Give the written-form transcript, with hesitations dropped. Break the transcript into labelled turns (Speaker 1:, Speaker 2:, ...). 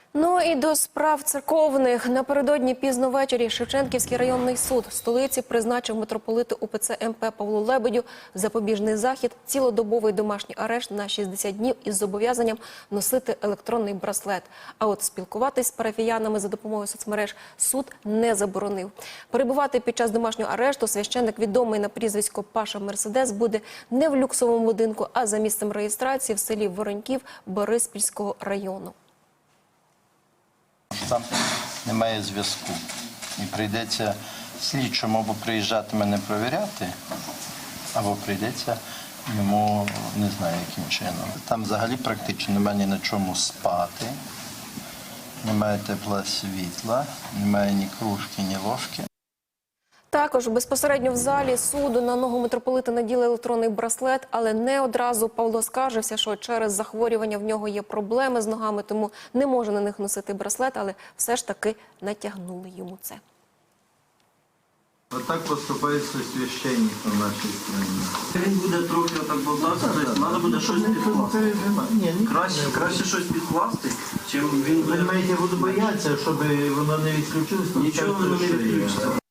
Speaker 1: Ну і до справ церковних. Напередодні пізно ввечері Шевченківський районний суд столиці призначив митрополиту УПЦ МП Павлу Лебедю запобіжний захід, цілодобовий домашній арешт на 60 днів із зобов'язанням носити електронний браслет. А от спілкуватись з парафіянами за допомогою соцмереж суд не заборонив. Перебувати під час домашнього арешту священник, відомий на прізвисько Паша Мерседес, буде не в люксовому будинку, а за місцем реєстрації в селі Вороньків Бориспільського району.
Speaker 2: Там немає зв'язку. І прийдеться слідчому або приїжджати мене провіряти, або прийдеться йому, не знаю яким чином. Там взагалі практично немає ні на чому спати, немає тепла світла, немає ні кружки, ні ложки.
Speaker 1: Також безпосередньо в залі суду на ногу митрополита наділи електронний браслет, але не одразу. Павло скаржився, що через захворювання в нього є проблеми з ногами, тому не може на них носити браслет, але все ж таки натягнули йому це.
Speaker 3: Вот так поступається священник в нашій країні.
Speaker 4: Він буде трохи отак болтатися, тобто треба буде щось підкласти. Краще щось підкласти, чим він буде...
Speaker 3: Ви маєте буду боятися, щоб воно не відключилось.
Speaker 4: Нічого воно не відключиться.